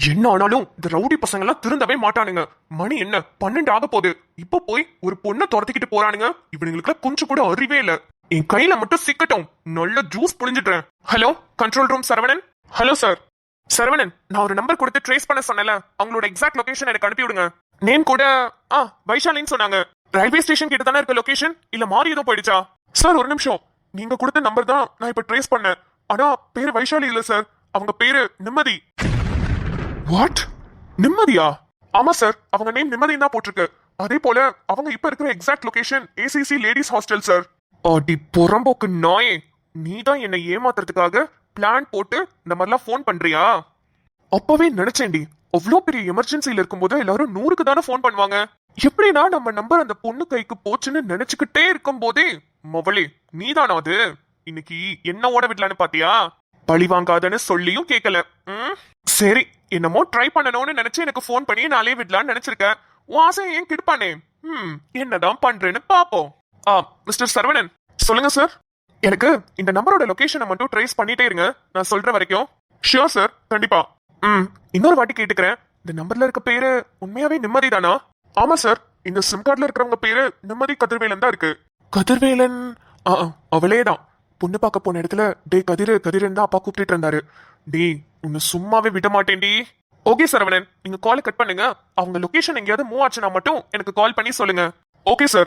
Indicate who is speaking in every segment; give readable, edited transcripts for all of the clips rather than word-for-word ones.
Speaker 1: என்ன ஆனாலும் இந்த ரவுடி பசங்க எல்லாம் திருந்தவே மாட்டானுங்க. மணி என்ன 12 ஆக போகுது. இப்ப போய் ஒரு பொண்ணை துரத்திக்கிட்டு போறானுங்க. இவனுங்களுக்கு கொஞ்சம் கூட அறிவே இல்ல. என் கையில மட்டும் சிக்கட்டும், நல்ல ஜூஸ் புழிஞ்சிடுறேன். Hello, control room Saravanan. Hello sir. Saravanan, நான் ஒரு நம்பர் கொடுத்து ட்ரேஸ் பண்ண சொன்னல, அவங்களோட எக்ஸாக்ட் லொகேஷன் எனக்கு அனுப்பி விடுங்க. நேம் கூட வைஷாலின்னு சொன்னாங்க. ரயில்வே ஸ்டேஷன் கிட்ட தானே இருக்க லொகேஷன், இல்ல மாறி ஏதோ போயிடுச்சா? சார் ஒரு நிமிஷம், நீங்க கொடுத்த நம்பர் தான் நான் இப்ப ட்ரேஸ் பண்ணேன். ஆனா பேரு வைஷாலி இல்ல சார், அவங்க பேரு நிம்மதி. வாட்? நிம்மதியா? ஆமா சார், அவங்க நேம் நிம்மதி தான் போட்டிருக்கு. அதே போல அவங்க இப்ப இருக்கிற exact location ACC ladies hostel sir. அடி புறம்போக்கு நாயே, நீ தான் என்னை ஏமாத்துறதுக்காக பிளான் போட்டு இந்த மாதிரிலாம் ஃபோன் பண்றியா? அப்பவே நினைச்சேன்டி, அவ்வளோ பெரிய எமர்ஜென்சில இருக்கும்போது எல்லாரும் 100க்கு தானே ஃபோன் பண்ணுவாங்க. எப்படின்னா நம்ம நம்பர் அந்த பொண்ணு கைக்கு போச்சுன்னு நினைச்சுக்கிட்டே இருக்கும் போதே மவளே நீதானா அது? இன்னைக்கு என்ன ஓட விடலான்னு பாத்தியா? பழி வாங்காதன்னு சொல்லியும் கேட்கல. சரி, என்னமோ ட்ரை பண்ணணும்னு நினைச்சு எனக்கு ஃபோன் பண்ணி நாளே விடலான்னு நினைச்சிருக்கேன். வாசம் ஏன் கிடுப்பானே. என்னதான் பண்றேன்னு பாப்போம். மிஸ்டர் சரவணன். சொல்லுங்க சார். எனக்கு இந்த நம்பரோட லொகேஷனை மட்டும் ட்ரேஸ் பண்ணிட்டே இருங்க, நான் சொல்ற வரைக்கும். ஷியோர் சார், கண்டிப்பா. இன்னொரு வாட்டி கேட்டுக்கிறேன், இந்த நம்பர்ல இருக்க பேரு உண்மையாவே நிம்மதி தானா? ஆமா சார், இந்த சிம் கார்டுல இருக்கிறவங்க பேரு நிம்மதி கதிர்வேலன் தான் இருக்கு. கதிர்வேலன்? அவளே தான். பொண்ணு பார்க்க போன இடத்துல டே கதிரன் தான் அப்பா கூப்பிட்டு இருந்தாரு. டே உன்னை சும்மாவே விட மாட்டேன்டி. ஓகே சரவணன், நீங்க கால் கட் பண்ணுங்க. அவங்க லொகேஷன் எங்கேயாவது மூவ் ஆச்சுன்னா மட்டும் எனக்கு கால் பண்ணி சொல்லுங்க. Okay sir.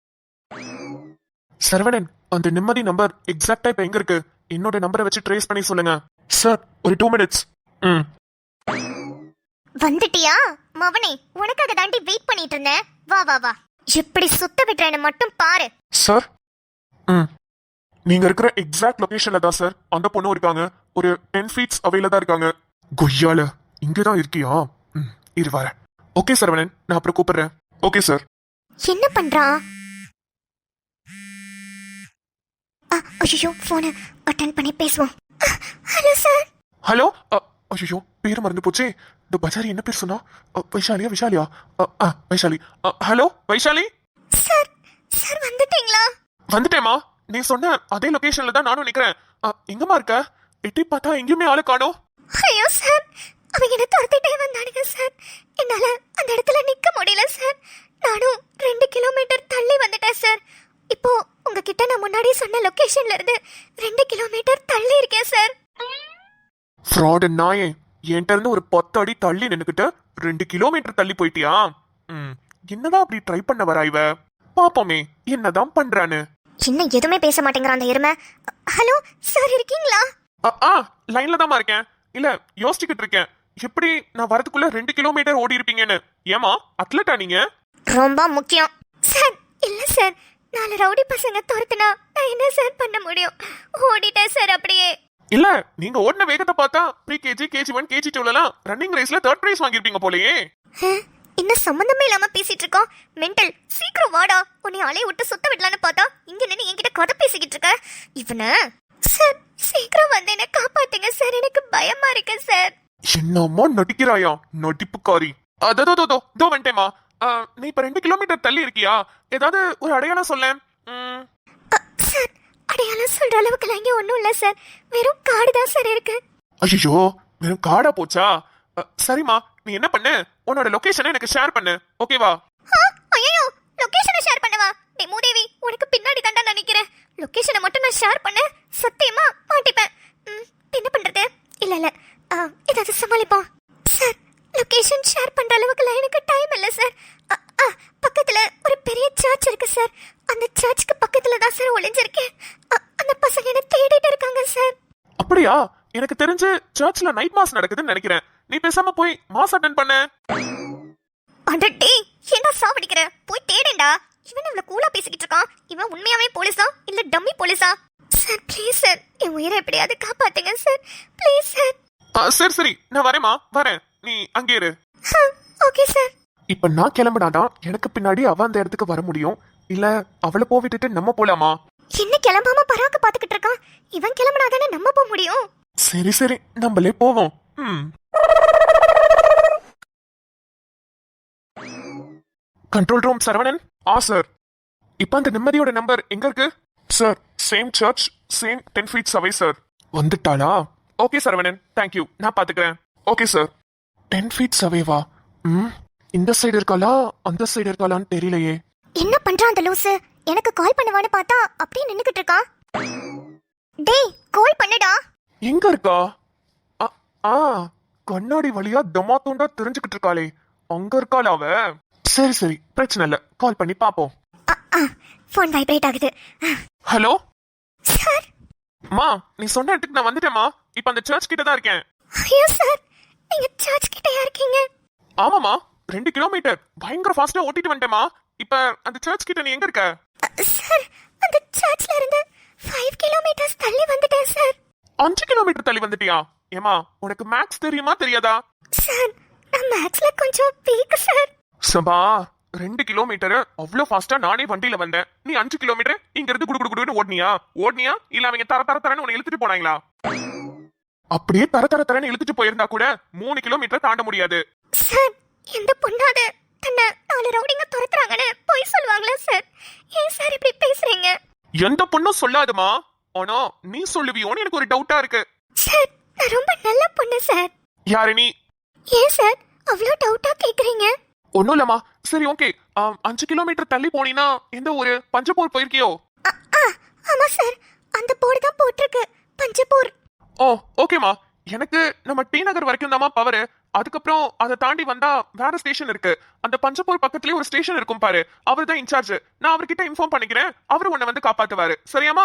Speaker 1: சரவணன், அந்த நிம்மதி நம்பர் எக்ஸாக்டா இப்ப எங்க இருக்கு? என்னோட நம்பரை வச்சு ட்ரேஸ் பண்ணி சொல்லுங்க சார். ஒரு 2 மினிட்ஸ்.
Speaker 2: வந்துட்டியா மவனே? உனக்காக தாண்டி வெயிட் பண்ணிட்டு இருந்தேன். வா வா வா, எப்படி சுத்த விட்டுறேன்னு மட்டும் பாரு.
Speaker 1: சார், நீங்க இருக்கிற எக்ஸாக்ட் லொகேஷன்ல தான் சார் அந்த பொண்ணு இருக்காங்க. ஒரு 10 feet அவையில தான் இருக்காங்க. கொய்யால, இங்கதான் இருக்கியா? இரு வரேன். ஓகே சரவணன், நான் அப்புறம் கூப்பிடுறேன். Okay sir.
Speaker 2: என்ன பண்றான்? ஐயோ, போனை அட்டெண்ட் பண்ணி பேசுவோம். Hello sir.
Speaker 1: ஹலோ. ஐயோ, பேர் மறந்து போச்சே. இந்த பஜாரி என்ன பேர் சொன்னா? விஷாலியா? Vaishali. Hello Vaishali.
Speaker 2: Sir, sir வந்துட்டீங்களா?
Speaker 1: வந்துட்டேமா. நீ சொன்ன அதே லொகேஷன்ல தான் நானும் நிக்கிறேன். எங்கம்மா இருக்க? எட்டி பார்த்தா எங்கேயுமே ஆளு காணோம்.
Speaker 2: ஐயோ சார், அவங்க என்ன துரத்திட்டே வந்தானுங்க சார். என்னால அந்த இடத்துல நிக்க முடியல சார். நானும் 2 கிலோமீட்டர் தள்ளி வந்துட்டேன் சார். இப்போ உங்ககிட்ட நான் முன்னாடி சொன்ன லொகேஷன்ல இருந்து 2 கிலோமீட்டர் தள்ளி இருக்கேன் சார்.
Speaker 1: ஃப்ராட் நாயே, என்கிட்ட இருந்து ஒரு 10 அடி தள்ளி நின்னுக்கிட்ட 2 கிலோமீட்டர் தள்ளி போயிட்டியா? என்னதான் அப்படி ட்ரை பண்ண வரா இவ? பாப்போமே என்னதான் பண்றான்னு.
Speaker 2: இன்னும் எதுவுமே பேச மாட்டேங்கிறான் அந்த எருமை. ஹலோ சார், இருக்கீங்களா?
Speaker 1: லைன்ல தான் இருக்கேன். இல்ல யோசிச்சுக்கிட்டு இருக்கேன், எப்படி நான் வரதுக்குள்ள 2 கிலோமீட்டர் ஓடி இருப்பீங்கன்னு. ஏமா அத்லட்டா நீங்க?
Speaker 2: ரொம்ப முக்கியம் சார். இல்ல சார், 4 ரவுடி பசங்க துரத்துனா நான் என்ன சார் பண்ண முடியும்? ஓடிட்டேன் சார் அப்படியே.
Speaker 1: இல்ல, நீங்க ஓடின வேகத்தை பார்த்தா pre KG, KG1, KG2 running ரேஸ்ல 3rd பிரைஸ் வாங்கிருப்பீங்க போலயே.
Speaker 2: இன்னும் சம்பந்தமே இல்லாம பேசிட்டு இருக்கோம். மென்டல், சீக்கிரம் வாடா. உன்னை அலைய விட்டு சுத்த விடலான்னு பார்த்தா இங்க நின்று என்கிட்ட கதை பேசிக்கிட்டு இருக்க. இவன சார், சீக்கிரம் வந்து என்ன காப்பாத்துங்க சார், எனக்கு பயமா இருக்கு சார்.
Speaker 1: என்னம்மா நடிக்கிறாயா நடிப்புக்காரி? அதோ வந்துட்டேமா. நீ இப்ப 2 கிலோமீட்டர் தள்ளி இருக்கியா? ஏதாவது ஒரு அடையாளம் சொல்ல.
Speaker 2: சார், அடையாளம் சொல்ற அளவுக்கு இங்க ஒண்ணும் இல்ல சார். வெறும் காடு தான் சார் இருக்கு.
Speaker 1: ஐயோ, வெறும் காடா போச்சா? சரிம்மா, நீ என்ன பண்ணு, உன்னோட லொகேஷனை எனக்கு ஷேர் பண்ணு, ஓகேவா?
Speaker 2: ஐயோ, லொகேஷனை ஷேர் பண்ணவா? டேய் மூதேவி, உனக்கு பின்னாடி தாண்டா நினைக்கிறேன். லொகேஷனை மட்டும் நான் ஷேர் பண்ண சத்தியமா மாட்டிப்பேன். என்ன பண்றது? இல்ல ஏதாவது சமாளிப்போம் சார். லொகேஷன் ஷேர் பண்ற அளவுக்கு எனக்கு டைம் இல்ல சார். பக்கத்துல ஒரு பெரிய சர்ச் இருக்கு சார். அந்த சர்ச்சுக்கு பக்கத்துல தான் சார் ஒளிஞ்சிருக்கேன். அந்த பசங்க என்ன தேடிட்டு இருக்காங்க சார்.
Speaker 1: அப்படியா? எனக்கு தெரிஞ்சு சர்ச்ல நைட் மாஸ் நடக்குதுன்னு நினைக்கிறேன். நீ பேசாம போய் மாஸ் அட்டெண்ட் பண்ணு.
Speaker 2: அடடே, என்ன சாவடிக்கிற? போய் தேடேண்டா. இவன் இவ்வளவு கூலா பேசிக்கிட்டு இருக்கான். இவன் உண்மையாவே போலீஸா இல்ல டம்மி போலீஸா? சார் ப்ளீஸ் சார், என் உயிரை எப்படியாவது காப்பாத்துங்க சார், ப்ளீஸ் சார்.
Speaker 1: சரி, நான் வரேம்மா, வரேன். நீ அங்கே இரு.
Speaker 2: Okay sir.
Speaker 1: இப்ப நான் கிளம்பினாதான் எனக்கு பின்னாடி அவ அந்த இடத்துக்கு வர முடியும். இல்ல அவளை போவிட்டுட்டு நம்ம போலாமா?
Speaker 2: என்ன கிளம்பாம பராக்க பாத்துக்கிட்டு இருக்கான்? இவன் கிளம்பினாதானே நம்ம போக முடியும்.
Speaker 1: சரி, நம்மளே போவோம். Control room Saravanan. சார், இப்ப அந்த நிம்மதியோட நம்பர் எங்க இருக்கு? Sir, same church, same 10 feet away sir. வந்துட்டாளா? ஓகே சரவணன், தேங்க்யூ, நான் பாத்துக்கிறேன். Okay sir. 10 ஃபீட்ஸ் அவேவா? இந்த சைடு இருக்காளா அந்த சைடு இருக்காளான்னு தெரியலையே.
Speaker 2: என்ன பண்றான் அந்த லூசு? எனக்கு கால் பண்ணுவான்னு பார்த்தா அப்படியே நின்னுக்கிட்டு இருக்கான். டேய் கால் பண்ணுடா.
Speaker 1: எங்க இருக்கா? ஆ, ஆ கண்ணாடி வழியா தமாத்தோண்டா தெரிஞ்சுக்கிட்டு இருக்காளே, அங்க இருக்காளா அவ? சரி சரி, பிரச்சனை இல்ல, கால் பண்ணி பாப்போம்.
Speaker 2: ஃபோன் வைப்ரேட் ஆகுது.
Speaker 1: Hello
Speaker 2: sir.
Speaker 1: மா, நீ சொன்ன இடத்துக்கு நான் வந்துட்டேமா. இப்ப அந்த சர்ச் கிட்ட தான் இருக்கேன்.
Speaker 2: ஐயோ சார், நீங்க சர்ச் கிட்டயா இருக்கீங்க?
Speaker 1: ஆமாமா, 2 கிலோமீட்டர் பயங்கர ஃபாஸ்டா ஓட்டிட்டு வந்துட்டேமா. இப்ப அந்த சர்ச் கிட்ட நீ எங்க இருக்க?
Speaker 2: சார், அந்த சர்ச்ல இருந்து 5 கிலோமீட்டர்ஸ் தள்ளி வந்துட்டேன் சார்.
Speaker 1: 5 கிலோமீட்டர் தள்ளி வந்துட்டியா? ஏமா, உனக்கு மேக்ஸ் தெரியுமா தெரியாதா?
Speaker 2: சார், நான் மேக்ஸ்ல கொஞ்சம் வீக் சார்.
Speaker 1: சபா, 2 கிலோமீட்டர் அவ்வளவு ஃபாஸ்டா நானே வண்டியில வந்தேன். நீ 5 கிலோமீட்டர் இங்க இருந்து குடு குடு குடுன்னு ஓடுனியா இல்ல அவங்க தர தர தரன்னு உன்னை இழுத்துட்டு போனாங்களா? அப்படியே தர தர தரன்னு இழுத்துட்டு போயிருந்தா கூட 3 கிலோமீட்டர் தாண்ட முடியாது.
Speaker 2: சார், எந்த பொண்ணாவது தன்னை 4 ரவுடிங்க துரத்துறாங்கன்னு போய் சொல்லுவாங்களா சார்? ஏன் சார் இப்படி பேசுறீங்க?
Speaker 1: எந்த பொண்ணும் சொல்லாதுமா. ஆனா நீ சொல்லுவியோன்னு எனக்கு ஒரு டவுட்டா இருக்கு.
Speaker 2: சார், நான் ரொம்ப நல்ல பொண்ணு சார்.
Speaker 1: யாரு நீ?
Speaker 2: ஏன் சார் அவ்வளோ டவுட்டா கேக்குறீங்க?
Speaker 1: ஒண்ணும் இல்லம்மா. சரி ஓகே, 5 கிலோமீட்டர் தள்ளி போனீங்கன்னா எந்த ஊரு? பஞ்சப்பூர் போயிருக்கியோ?
Speaker 2: ஆமா சார், அந்த போர்டு தான் போட்டிருக்கு, பஞ்சப்பூர்.
Speaker 1: ஓ ஓகேமா. எனக்கு நம்ம டி நகர் வரைக்கும் தாமா பவர். அதுக்கப்புறம் அதை தாண்டி வந்தா வேற ஸ்டேஷன் இருக்கு. அந்த பஞ்சப்பூர் பக்கத்துலயே ஒரு ஸ்டேஷன் இருக்கும் பாரு, அவர் தான் இன்சார்ஜ். நான் அவர்கிட்ட இன்ஃபார்ம் பண்ணிக்கிறேன், அவரு உன்னை வந்து காப்பாத்துவாரு. சரியாமா?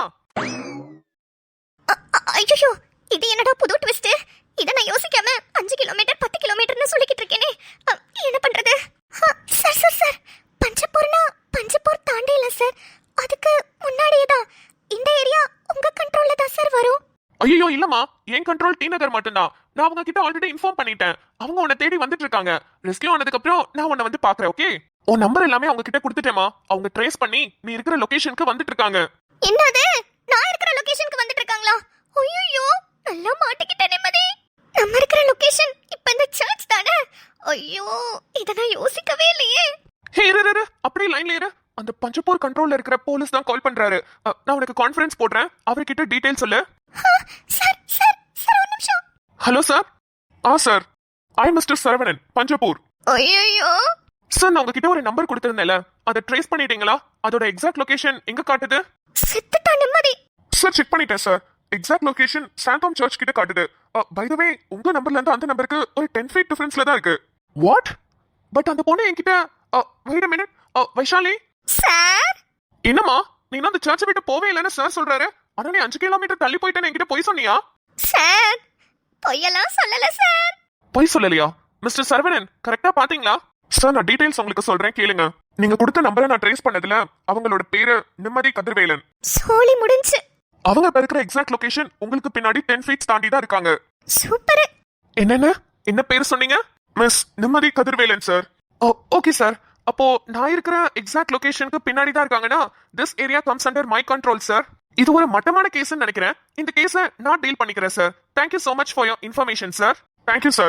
Speaker 2: ஐயோ, இது என்னடா புது ட்விஸ்ட்? இத நான் யோசிக்காம 5 கிலோமீட்டர் 10 கிலோமீட்டர்னு சொல்லிக்கிட்டு இருக்கேனே. என்ன பண்றது? சார் சார் சார், பஞ்சப்பூர் தாண்டி இல்ல சார், அதுக்கு முன்னாடியே தான். இந்த ஏரியா உங்க கண்ட்ரோல்ல தான் சார் வரும்.
Speaker 1: ஐயோ இல்லம்மா, என் கண்ட்ரோல் டி நகர் மட்டும்தான். நான் அவங்க கிட்ட ஆல்ரெடி இன்ஃபார்ம் பண்ணிட்டேன். அவங்க உன்னை தேடி வந்துட்டு இருக்காங்க. ரெஸ்கியூ ஆனதுக்கு அப்புறம் நான் உன்னை வந்து பாக்குறேன். ஓகே, உன் நம்பர் எல்லாமே அவங்க கிட்ட கொடுத்துட்டேமா. அவங்க ட்ரேஸ் பண்ணி நீ இருக்கிற லொகேஷனுக்கு வந்துட்டு இருக்காங்க.
Speaker 2: என்னது? நான் இருக்கிற லொகேஷனுக்கு வந்துட்டு இருக்காங்களா? ஐயோ, நல்லா மாட்டிக்கிட்டேன் நிம்மதி. நம்ம இருக்கிற லொகேஷன் இப்ப இந்த சர்ச் தானே? ஐயோ, இத நான் யோசிக்கவே இல்லையே.
Speaker 1: ஹே இரு, அப்படியே லைன்ல இரு. அந்த பஞ்சப்பூர் கண்ட்ரோல்ல இருக்கிற போலீஸ் தான் கால் பண்றாரு. நான் உனக்கு கான்ஃபரன்ஸ் போடுறேன், அவர்கிட்ட டீடைல் சொல்லு.
Speaker 2: சார் சார் சார், ஒரு நிமிஷம்.
Speaker 1: Hello sir. Sir, I mister Saravanan, Panjappur.
Speaker 2: ஐயோ
Speaker 1: சார், நான் உங்ககிட்ட ஒரு நம்பர் கொடுத்திருந்தேன்ல, அதை ட்ரேஸ் பண்ணிட்டீங்களா? அதோட எக்ஸாக்ட் லொகேஷன் எங்க காட்டுது?
Speaker 2: செத்துட்டா நிம்மதி.
Speaker 1: சார், செக் பண்ணிட்டேன் sir. Exact location Santhome church கிட்ட காட்டுது. பை தி வே, உங்க நம்பர்ல இருந்து அந்த நம்பருக்கு ஒரு 10 ஃபீட் டிஃபரன்ஸ்ல தான் இருக்கு. வாட்? பட் அந்த பொண்ணு என்கிட்ட wait a minute. Vaishali
Speaker 2: sir,
Speaker 1: என்னம்மா, நீ அந்த சர்ச்சை விட்டு போவே இல்லைன்னு சார் சொல்றாரு. ஆனா நீ 5 கிலோமீட்டர் தள்ளி போயிட்டேன்னு என்கிட்ட போய் சொன்னியா?
Speaker 2: சார் பொய்யெல்லாம் சொல்லல சார்.
Speaker 1: போய் சொல்லலையா? மிஸ்டர் சரவணன், கரெக்டா பாத்தீங்களா? சார், நான் டீடைல்ஸ் உங்களுக்கு சொல்றேன் கேளுங்க. நீங்க கொடுத்த நம்பரை நான் ட்ரேஸ் பண்ணதுல அவங்களோட பேரு நிம்மதி கதிர்வேலன்.
Speaker 2: சோலி முடிஞ்சு.
Speaker 1: அவங்க இருக்கிற எக்ஸாக்ட் லொகேஷன் உங்களுக்கு பின்னாடி 10 ஃபீட்ஸ் தாண்டி தான் இருக்காங்க.
Speaker 2: சூப்பர்.
Speaker 1: என்ன பேர் சொன்னீங்க? மிஸ் நிம்மதி கதிர்வேலன் சார். Okay sir. அப்போ நான் இருக்கிற எக்ஸாக்ட் லொகேஷனுக்கு பின்னாடி தான் இருக்காங்கன்னா this area comes under my control sir. இது ஒரு மட்டமான கேஸ்ன்னு நினைக்கிறேன். இந்த கேஸை நான் டீல் பண்ணிக்கிறேன் sir. Thank you so much for your information sir. Thank you sir.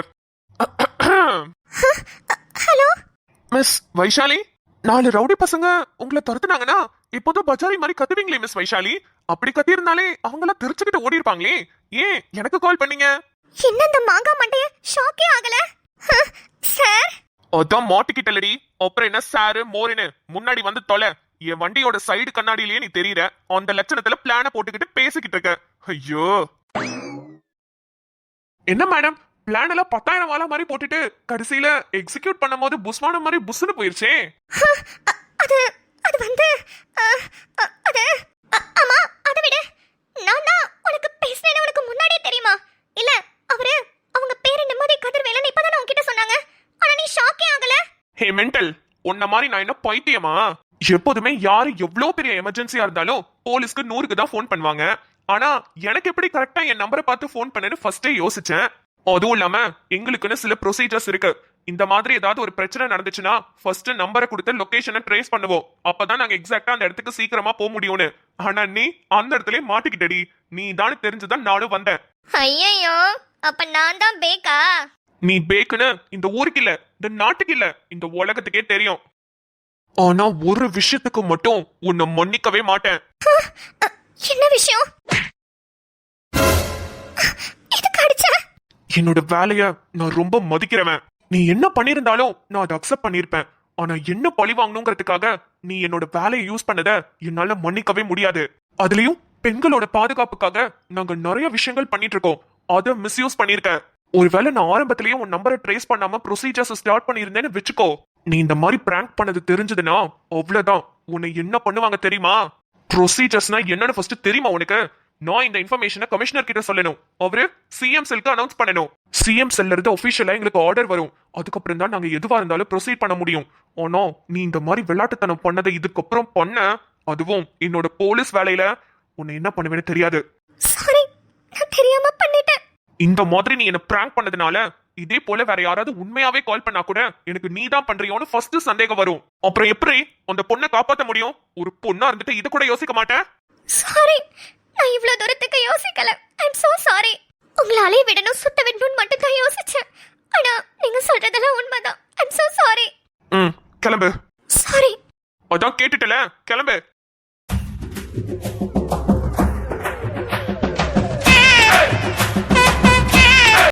Speaker 2: Hello
Speaker 1: miss Vaishali, 4 rowdy பசங்க உங்களை துரத்துனாங்கன்னா இப்போதும் பஜாரி மாதிரி கத்துவீங்களே மிஸ் வைஷாலி. அப்படி கத்தியிருந்தாலே அவங்களாம் தெரிச்சுக்கிட்டு ஓடி இருப்பாங்களே. ஏன் எனக்கு கால் பண்ணீங்க?
Speaker 2: என்ன இந்த மாங்கா மண்டைய ஷாக்கே ஆகல சார்?
Speaker 1: அதான் மாட்டிக்கிட்டலடி. அப்புறம் என்ன சாரு மோரின்னு முன்னாடி வந்து தொலை. என் வண்டியோட சைடு கண்ணாடியிலேயே நீ தெரியற. அந்த லட்சணத்துல பிளான போட்டுக்கிட்டு பேசிக்கிட்டு இருக்க. ஐயோ, என்ன மேடம், பிளான் எல்லாம் 10,000 வாழ மாதிரி போட்டுட்டு கடைசியில எக்ஸிக்யூட் பண்ணும் போது புஸ்வானம் மாதிரி புஸ்னு போயிருச்சே.
Speaker 2: அது அது வந்து அது ஆமா, அதை விடு. நான் தான் உனக்கு பேசுனேன்னு உனக்கு முன்னாடியே தெரியுமா? இல்ல அவங்க பேரு நிம்மதி கதிர்வேலன் இப்பதான் உன்கிட்ட சொன்னாங்க. ஆனா நீ ஷாக்கே ஆகல.
Speaker 1: ஹே மென்டல், உன்ன மாதிரி நான் என்ன பைத்தியமா? எப்போதுமே யாரு எவ்வளவு பெரிய எமர்ஜென்சியா இருந்தாலும் போலீஸ்க்கு 100க்கு தான் போன் பண்ணுவாங்க. ஆனா எனக்கு எப்படி கரெக்டா என் நம்பரை பார்த்து போன் பண்ணேன்னு ஃபர்ஸ்டே யோசிச்சேன். அதுவும் இல்லாம எங்களுக்குன்னு சில ப்ரொசீஜர்ஸ் இருக்கு. இந்த மாதிரி ஏதாவது ஒரு பிரச்சனை நடந்துச்சுன்னா ஃபர்ஸ்ட் நம்பரை கொடுத்து லொகேஷனை ட்ரேஸ் பண்ணுவோம். அப்பதான் நாங்க எக்ஸாக்டா அந்த இடத்துக்கு சீக்கிரமா போக முடியும்னு. ஆனா நீ அந்த இடத்துல மாட்டிக்கிட்டடி. நீ தான் தெரிஞ்சுதான் நானும் வந்தேன்.
Speaker 2: ஐயோ, அப்ப நான் தான் பேக்கா?
Speaker 1: நீ பேக்குன்னு இந்த ஊருக்கு இல்ல, இந்த நாட்டுக்கு இல்ல, இந்த உலகத்துக்கே தெரியும். ஆனா ஒரு விஷயத்துக்கு மட்டும் உன்னை மன்னிக்கவே மாட்டேன்.
Speaker 2: என்ன விஷயம்? எதுக்கு அடிச்ச?
Speaker 1: என்னோட வேலைய நான் ரொம்ப மதிக்கிறவன். நீ என்ன பண்ணிருந்தாலும் நான் அதை அக்செப்ட் பண்ணிருப்பேன். ஆனா என்ன பழி வாங்கணுங்கிறதுக்காக நீ என்னோட வேலையை யூஸ் பண்ணத என்னால மன்னிக்கவே முடியாது. அதுலயும் பெண்களோட பாதுகாப்புக்காக நாங்க நிறைய விஷயங்கள் பண்ணிட்டு இருக்கோம். அதை மிஸ்யூஸ் பண்ணிருக்க. ஒருவேளை நான் ஆரம்பத்திலேயே உன் நம்பரை ட்ரேஸ் பண்ணாம ப்ரொசீஜர்ஸ் ஸ்டார்ட் பண்ணியிருந்தேன்னு வச்சுக்கோ. நீ இந்த மாதிரி பிராங்க் பண்ணது தெரிஞ்சதுன்னா அவ்வளவுதான். உன்னை என்ன பண்ணுவாங்க தெரியுமா? ப்ரொசீஜர்ஸ்னா என்னன்னு ஃபர்ஸ்ட் தெரியுமா உனக்கு? நான் இந்த இன்ஃபர்மேஷனை கமிஷனர் கிட்ட சொல்லணும். அவரு சிஎம் செல்க்கு அனௌன்ஸ் பண்ணணும். சிஎம் செல்ல இருந்து ஒபிஷியலா எங்களுக்கு ஆர்டர் வரும். அதுக்கப்புறம் தான் நாங்க எதுவா இருந்தாலும் ப்ரொசீட் பண்ண முடியும். ஆனா நீ இந்த மாதிரி விளையாட்டுத்தனம் பண்ணதை இதுக்கப்புறம் பண்ண, அதுவும் என்னோட போலீஸ் வேலையில, உன்னை என்ன பண்ணுவேன்னு தெரியாது.
Speaker 2: சாரி, நான் தெரியாம பண்ணிட்டேன்.
Speaker 1: இந்த மாதிரி நீ என்ன பிராங்க் பண்ணதுனால இதே போல வேற யாராவது உண்மையாவே கால் பண்ணா கூட எனக்கு நீ தான் பண்றியோன்னு ஃபர்ஸ்ட் சந்தேகம் வரும். அப்புறம் எப்படி அந்த பொண்ணை காப்பாத்த முடியும்? ஒரு பொண்ணா இருந்துட்டு இது கூட யோசிக்க மாட்டேன்.
Speaker 2: சாரி, நான் இவ்வளவு தூரத்துக்கு யோசிக்கல. I'm so sorry. உங்களை அலைய விடணும், சுத்த விடணும்னு மட்டும் தான் யோசிச்சேன். ஆனா நீங்க சொல்றதெல்லாம் உண்மைதான். I'm so sorry.
Speaker 1: கிளம்பு.
Speaker 2: சாரி.
Speaker 1: அதான் கேட்டுட்டல, கிளம்பு.